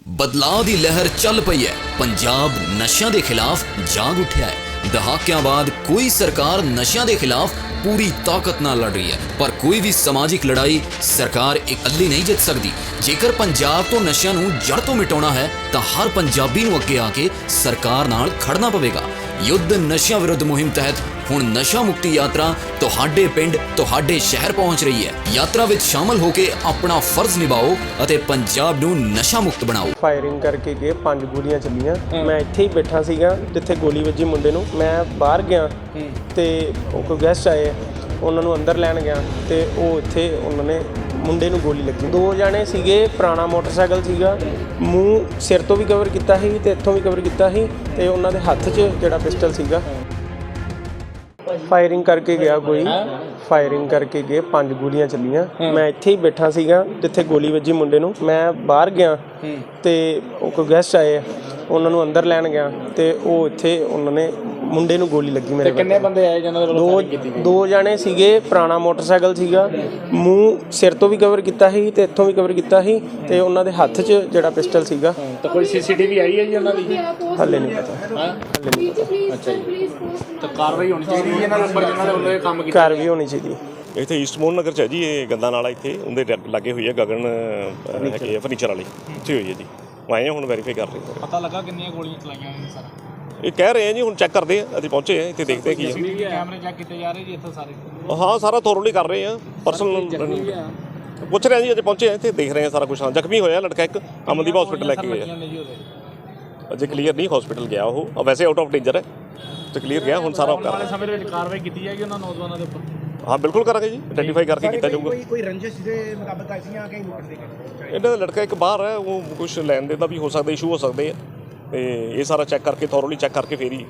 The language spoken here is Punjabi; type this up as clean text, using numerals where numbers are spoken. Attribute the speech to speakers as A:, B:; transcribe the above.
A: ਬਦਲਾਅ ਦੀ ਲਹਿਰ ਚੱਲ ਪਈ ਹੈ। ਪੰਜਾਬ ਨਸ਼ਿਆਂ ਦੇ ਖਿਲਾਫ ਜਾਗ ਉੱਠਿਆ ਹੈ। ਦਹਾਕਿਆਂ ਬਾਅਦ ਕੋਈ ਸਰਕਾਰ ਨਸ਼ਿਆਂ ਦੇ ਖਿਲਾਫ ਪੂਰੀ ਤਾਕਤ ਨਾਲ ਲੜ ਰਹੀ ਹੈ, ਪਰ ਕੋਈ ਵੀ ਸਮਾਜਿਕ ਲੜਾਈ ਸਰਕਾਰ ਇਕੱਲੀ ਨਹੀਂ ਜਿੱਤ ਸਕਦੀ। ਜੇਕਰ ਪੰਜਾਬ ਤੋਂ ਨਸ਼ਿਆਂ ਨੂੰ ਜੜ ਤੋਂ ਮਿਟਾਉਣਾ ਹੈ ਤਾਂ ਹਰ ਪੰਜਾਬੀ ਨੂੰ ਅੱਗੇ ਆ ਕੇ ਸਰਕਾਰ ਨਾਲ ਖੜਨਾ ਪਵੇਗਾ। ਯੁੱਧ ਨਸ਼ਿਆਂ ਵਿਰੁੱਧ ਮੁਹਿੰਮ ਤਹਿਤ ਹੁਣ ਨਸ਼ਾ ਮੁਕਤੀ ਯਾਤਰਾ ਤੁਹਾਡੇ ਪਿੰਡ ਤੁਹਾਡੇ ਸ਼ਹਿਰ ਪਹੁੰਚ ਰਹੀ ਹੈ। ਯਾਤਰਾ ਵਿੱਚ ਸ਼ਾਮਲ ਹੋ ਕੇ ਆਪਣਾ ਫਰਜ਼ ਨਿਭਾਓ ਅਤੇ ਪੰਜਾਬ ਨੂੰ ਨਸ਼ਾ ਮੁਕਤ ਬਣਾਓ।
B: ਫਾਇਰਿੰਗ ਕਰਕੇ ਗਏ 5 ਗੋਲੀਆਂ ਚੱਲੀਆਂ। ਮੈਂ ਇੱਥੇ ਹੀ ਬੈਠਾ ਸੀਗਾ ਜਿੱਥੇ ਗੋਲੀ ਵੱਜੀ ਮੁੰਡੇ ਨੂੰ। ਮੈਂ ਬਾਹਰ ਗਿਆ ਤੇ ਉਹ ਕੋਈ ਗੈਸਟ ਆਏ, ਉਹਨਾਂ ਨੂੰ ਅੰਦਰ ਲੈਣ ਗਿਆ ਤੇ ਉਹ ਇੱਥੇ ਉਹਨਾਂ ਨੇ ਮੁੰਡੇ ਨੂੰ ਗੋਲੀ ਲੱਗੀ। 2 ਜਣੇ ਸੀਗੇ, ਪੁਰਾਣਾ ਮੋਟਰਸਾਈਕਲ ਸੀਗਾ, ਮੂੰਹ ਸਿਰ ਤੋਂ ਵੀ ਕਵਰ ਕੀਤਾ ਸੀ ਤੇ ਇੱਥੋਂ ਵੀ ਕਵਰ ਕੀਤਾ ਸੀ ਤੇ ਉਹਨਾਂ ਦੇ ਹੱਥ 'ਚ ਜਿਹੜਾ ਪਿਸਟਲ ਸੀਗਾ। ਫਾਇਰਿੰਗ ਕਰਕੇ ਗਿਆ ਕੋਈ, ਫਾਇਰਿੰਗ ਕਰਕੇ ਗਏ 5 ਗੋਲੀਆਂ ਚੱਲੀਆਂ। ਮੈਂ ਇੱਥੇ ਹੀ ਬੈਠਾ ਸੀਗਾ ਜਿੱਥੇ ਗੋਲੀ ਵੱਜੀ ਮੁੰਡੇ ਨੂੰ। ਮੈਂ ਬਾਹਰ ਗਿਆ ਤੇ ਉਹ ਕੋਈ ਗੈਸਟ ਆਏ, ਉਹਨਾਂ ਨੂੰ ਅੰਦਰ ਲੈਣ ਗਿਆ ਤੇ ਉਹ ਇੱਥੇ ਉਹਨਾਂ ਨੇ ਮੁੰਡੇ ਨੂੰ ਗੋਲੀ ਲੱਗੀ ਮੇਰੇ।
C: ਕਿੰਨੇ ਬੰਦੇ ਆਏ ਜਿਹਨਾਂ ਵੱਲੋਂ ਫਾਇਰਿੰਗ ਕੀਤੀ ਗਈ?
B: 2 ਜਣੇ ਸੀਗੇ, ਪੁਰਾਣਾ ਮੋਟਰਸਾਈਕਲ ਸੀਗਾ, ਮੂੰਹ ਸਿਰ ਤੋਂ ਵੀ ਕਵਰ ਕੀਤਾ ਸੀ ਤੇ ਇੱਥੋਂ ਵੀ ਕਵਰ ਕੀਤਾ ਸੀ ਤੇ ਉਹਨਾਂ ਦੇ ਹੱਥ 'ਚ ਜਿਹੜਾ ਪਿਸਟਲ ਸੀਗਾ।
C: ਤਾਂ ਕੋਈ ਸੀਸੀਟੀਵੀ ਆਈ ਹੈ ਜੀ ਉਹਨਾਂ ਦੀ?
B: ਹੱਲੇ ਨਹੀਂ ਪਤਾ, ਹੱਲੇ ਨਹੀਂ ਪਤਾ।
C: ਅੱਛਾ ਜੀ, ਤਾਂ ਕਾਰਵਾਈ ਹੋਣੀ ਚਾਹੀਦੀ ਹੈ ਇਹਨਾਂ ਦੇ ਉੱਪਰ ਜਿਨ੍ਹਾਂ ਦੇ ਵੱਲੋਂ ਇਹ ਕੰਮ ਕੀਤਾ।
B: ਘਰ ਵੀ ਹੋਣੀ ਚਾਹੀਦੀ।
D: ਇੱਥੇ ਈਸਟਮੋਨ ਨਗਰ 'ਚ ਹੈ ਜੀ, ਇਹ ਗੰਦਾ ਨਾਲਾ ਇੱਥੇ ਉਹਦੇ ਲਾਗੇ ਹੋਈ ਹੈ। ਗਗਨ ਹੈਗੇ ਫਰਨੀਚਰ ਵਾਲੀ, ਇੱਥੇ ਹੋਈ ਹੈ ਜੀ। ਆਏ ਹੁਣ ਵੈਰੀਫਾਈ ਕਰ ਰਹੇ ਹਾਂ।
C: ਪਤਾ ਲੱਗਾ ਕਿੰਨੀਆਂ ਗੋਲੀਆਂ ਚਲਾਈਆਂ ਨੇ ਸਰ?
D: ਇਹ ਕਹਿ ਰਹੇ ਆ ਜੀ, ਹੁਣ ਚੈੱਕ ਕਰਦੇ ਆ। ਅਸੀਂ ਪਹੁੰਚੇ ਆ ਇੱਥੇ, ਦੇਖਦੇ ਕੀ ਹੈ।
C: ਕੈਮਰੇ ਚੈੱਕ ਕੀਤੇ ਜਾ ਰਹੇ ਜੀ ਇੱਥੇ ਸਾਰੇ?
D: ਹਾਂ, ਸਾਰਾ ਥੋਰਲੀ ਕਰ ਰਹੇ ਆ। ਪਰਸਨਲ ਪੁੱਛ ਰਹੇ ਆ ਜੀ, ਅਜੇ ਪਹੁੰਚੇ ਆ ਇੱਥੇ, ਦੇਖ ਰਹੇ ਆ ਸਾਰਾ ਕੁਛ। ਹਾਂ, ਜ਼ਖਮੀ ਹੋਇਆ ਲੜਕਾ ਇੱਕ, ਅਮਨਦੀਪ ਹਸਪੀਟਲ ਲੈ ਕੇ ਗਿਆ। ਅਜੇ ਕਲੀਅਰ ਨਹੀਂ, ਹਸਪੀਟਲ ਗਿਆ ਉਹ, ਵੈਸੇ ਆਊਟ ਆਫ ਡੇਂਜਰ ਹੈ ਤੇ ਕਲੀਅਰ ਗਿਆ। ਹੁਣ ਸਾਰਾ ਕਰ ਰਹੇ
C: ਸਮੇਂ ਦੇ ਵਿੱਚ ਕਾਰਵਾਈ ਕੀਤੀ ਜਾਏਗੀ ਉਹਨਾਂ ਨੌਜਵਾਨਾਂ ਦੇ ਉੱਪਰ?
D: ਹਾਂ, ਬਿਲਕੁਲ ਕਰਾਂਗੇ ਜੀ, ਆਈਡੈਂਟੀਫਾਈ ਕਰਕੇ ਕੀਤਾ ਜਾਊਗਾ।
E: ਕੋਈ ਰੰਜਿਸ਼ ਦੇ ਮੁਤਾਬਕ ਆਈਆਂ ਕਿ ਲੁੱਟ ਦੇ
D: ਇਹਨਾਂ ਦਾ ਲੜਕਾ ਇੱਕ ਬਾਹਰ ਹੈ, ਉਹ ਕੁਛ ਲੈਣ ਦੇ ਦਾ ਵੀ ਹੋ ਸਕਦਾ, ਇਸ਼ੂ ਹੋ ਸਕਦੇ ਆ। ਤੇ ਇਹ ਸਾਰਾ ਚੈੱਕ ਕਰਕੇ, ਥੋਰਲੀ ਚੈੱਕ ਕਰਕੇ ਫੇਰ ਹੀ